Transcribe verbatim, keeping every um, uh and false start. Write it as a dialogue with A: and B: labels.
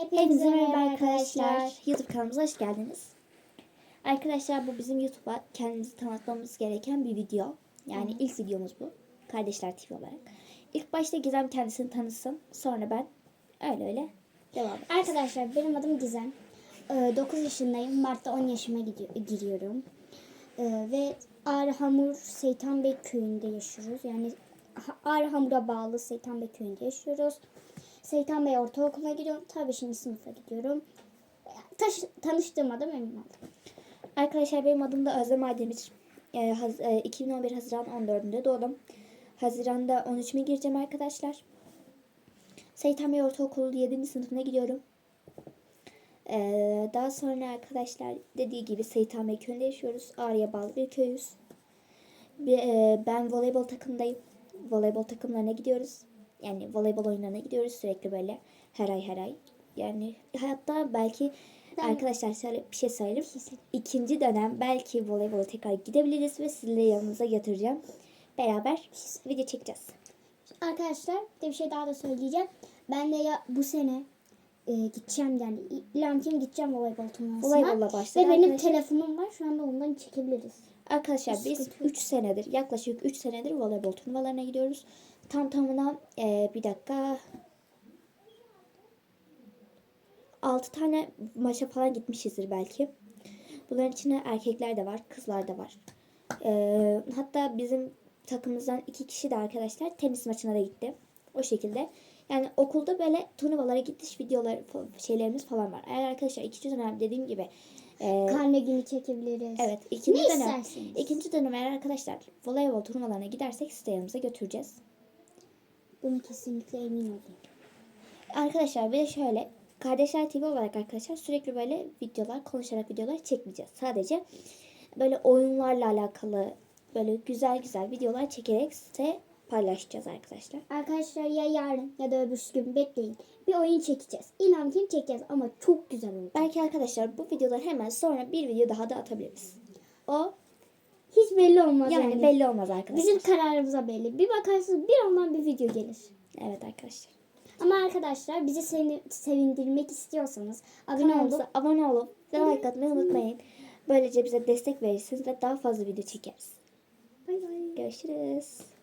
A: Hepinize merhaba arkadaşlar. YouTube kanalımıza hoş geldiniz. Arkadaşlar bu bizim YouTube'a kendimizi tanıtmamız gereken bir video. Yani evet. ilk videomuz bu. Kardeşler T V olarak. İlk başta Gizem kendisini tanısın. Sonra ben öyle öyle devam edeceğiz.
B: Arkadaşlar benim adım Gizem. dokuz yaşındayım. Mart'ta on yaşıma giriyorum. Ve Ağrıhamur Seytanbey köyünde yaşıyoruz. Yani Ağrıhamur'a bağlı Seytanbey köyünde yaşıyoruz. Seytanbey Ortaokulu'na gidiyorum. Tabii şimdi sınıfa gidiyorum. Taş, tanıştığıma da memnun oldum.
A: Arkadaşlar benim adım da Özlem Aydemir. Ee, haz, e, iki bin on bir Haziran on dördünde doğdum. Haziran'da on üçüme gireceğim arkadaşlar. Seytanbey Ortaokulu yedinci sınıfına gidiyorum. Ee, daha sonra arkadaşlar dediği gibi Seytanbey köyünde yaşıyoruz. Ağrı'ya bağlı bir köyüz. Bir, e, ben voleybol takımdayım. Voleybol takımlarına gidiyoruz. Yani voleybol oyunlarına gidiyoruz sürekli böyle her ay her ay. Yani hatta belki ben, arkadaşlar şöyle bir şey söyleyeyim. İkinci dönem belki voleybola tekrar gidebiliriz ve sizleri yanınıza getireceğim. Beraber video çekeceğiz.
B: Arkadaşlar bir şey daha da söyleyeceğim. Ben de ya bu sene e, gideceğim yani ilanken gideceğim voleybol turnuvasına.
A: Voleybolla başladı.
B: Ve benim telefonum var. Şu anda ondan çekebiliriz.
A: Arkadaşlar Hiç biz üç senedir yaklaşık üç senedir voleybol turnuvalarına gidiyoruz. Tam tamına e, bir dakika altı tane maça falan gitmişizdir belki. Bunların içinde erkekler de var, kızlar da var. E, hatta bizim takımımızdan iki kişi de arkadaşlar tenis maçına da gitti. O şekilde. Yani okulda böyle turnuvalara gidiş videolar şeylerimiz falan var. Eğer arkadaşlar ikinci dönem dediğim gibi
B: e, karne günü çekebiliriz.
A: Evet, ikinci ne dönem. Isterseniz. İkinci dönem eğer arkadaşlar voleybol turnuvalarına gidersek sizi yanımıza götüreceğiz.
B: Bunu kesinlikle emin olun.
A: Arkadaşlar bir de şöyle Kardeşler T V olarak arkadaşlar sürekli böyle videolar, konuşarak videolar çekmeyeceğiz. Sadece böyle oyunlarla alakalı böyle güzel güzel videolar çekerek size paylaşacağız arkadaşlar.
B: Arkadaşlar ya yarın ya da öbür gün bekleyin. Bir oyun çekeceğiz. İnan kim çekeceğiz ama çok güzel olacak.
A: Belki arkadaşlar bu videoları hemen sonra bir video daha da atabiliriz. O
B: hiç belli olmaz
A: yani.
B: Yani
A: belli olmaz arkadaşlar.
B: Bizim kararımıza belli. Bir bakarsınız bir ondan bir video gelir.
A: Evet arkadaşlar.
B: Ama arkadaşlar bizi sevindirmek istiyorsanız abone olup
A: abone olup like atmayı unutmayın. Böylece bize destek verirsiniz ve daha fazla video çekeriz.
B: Bay bay.
A: Görüşürüz.